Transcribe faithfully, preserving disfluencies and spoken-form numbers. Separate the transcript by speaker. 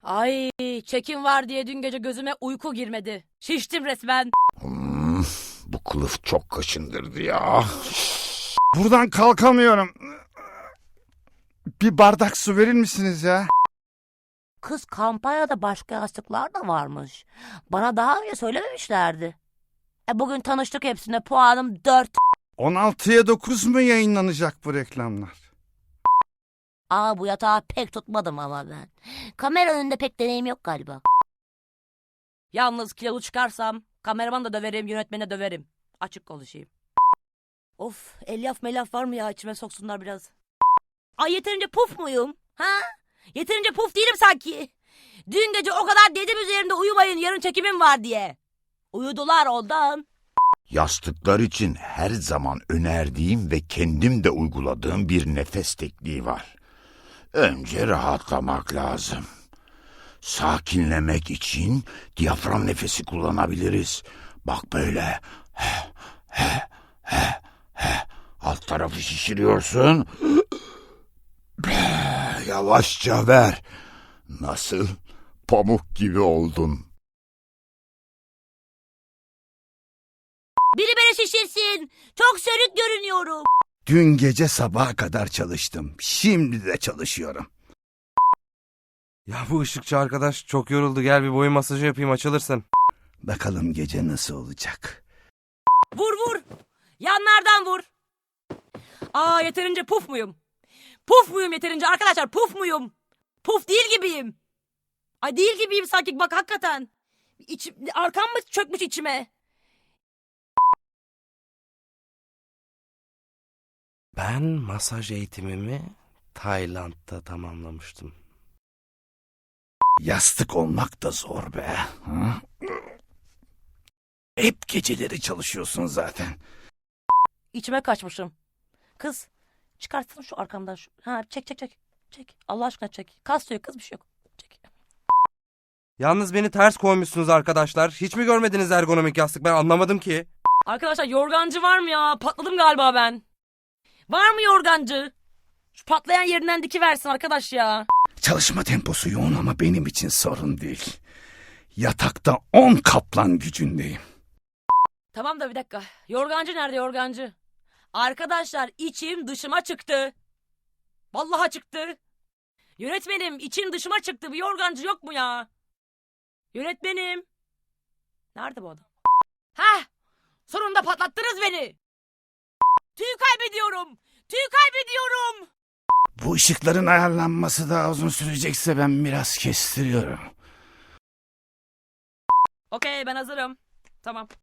Speaker 1: Ay, çekim var diye dün gece gözüme uyku girmedi. Şiştim resmen.
Speaker 2: Hmm, bu kılıf çok kaşındırdı ya. Buradan kalkamıyorum. Bir bardak su verir misiniz ya?
Speaker 3: Kız, kampanyada başka yastıklar da varmış. Bana daha önce söylememişlerdi. E bugün tanıştık hepsine, puanım dört.
Speaker 2: on altıya dokuz mu yayınlanacak bu reklamlar?
Speaker 3: Aa, bu yatağı pek tutmadım ama ben. Kamera önünde pek deneyim yok galiba.
Speaker 1: Yalnız kilolu çıkarsam kameramanı da döverim, yönetmeni de döverim. Açık konuşayım. Of, elyaf melaf var mı ya, içime soksunlar biraz. Ay, yeterince puf muyum? Ha? Yeterince puf değilim sanki. Dün gece o kadar dedim üzerimde uyumayın, yarın çekimim var diye. Uyudular ondan.
Speaker 2: Yastıklar için her zaman önerdiğim ve kendim de uyguladığım bir nefes tekniği var. Önce rahatlamak lazım. Sakinlemek için diyafram nefesi kullanabiliriz. Bak böyle. He, he, he, he. Alt tarafı şişiriyorsun. Yavaşça ver. Nasıl? Pamuk gibi oldun.
Speaker 1: Biri beni şişirsin. Çok sönük görünüyorum.
Speaker 2: Dün gece sabaha kadar çalıştım. Şimdi de çalışıyorum.
Speaker 4: Ya bu ışıkçı arkadaş çok yoruldu. Gel bir boyun masajı yapayım, açılırsın.
Speaker 2: Bakalım gece nasıl olacak?
Speaker 1: Vur vur. Yanlardan vur. Aa, yeterince puf muyum? Puf muyum yeterince arkadaşlar, puf muyum? Puf değil gibiyim. Ay, değil gibiyim sanki, bak hakikaten. İçim, arkam mı çökmüş içime?
Speaker 4: Ben masaj eğitimimi Tayland'da tamamlamıştım.
Speaker 2: Yastık olmak da zor be. Ha? Hep geceleri çalışıyorsun zaten.
Speaker 1: İçime kaçmışım. Kız, çıkartsana şu arkamdan şu. Ha, çek çek çek. Çek. Allah aşkına çek. Kas yok kız, bir şey yok. Çek.
Speaker 4: Yalnız beni ters koymuşsunuz arkadaşlar. Hiç mi görmediniz ergonomik yastık? Ben anlamadım ki.
Speaker 1: Arkadaşlar, yorgancı var mı ya? Patladım galiba ben. Var mı yorgancı? Şu patlayan yerinden dikiversin arkadaş ya.
Speaker 2: Çalışma temposu yoğun ama benim için sorun değil. Yatakta on kaplan gücündeyim.
Speaker 1: Tamam da bir dakika. Yorgancı nerede, yorgancı? Arkadaşlar, içim dışıma çıktı. Vallahi çıktı. Yönetmenim, içim dışıma çıktı. Bir yorgancı yok mu ya? Yönetmenim. Nerede bu adam? Hah! Sonunda patlattınız beni. Tüy kaybediyorum. Tüy kaybediyorum.
Speaker 2: Bu ışıkların ayarlanması daha uzun sürecekse ben biraz kestiriyorum.
Speaker 1: Okey, ben hazırım. Tamam.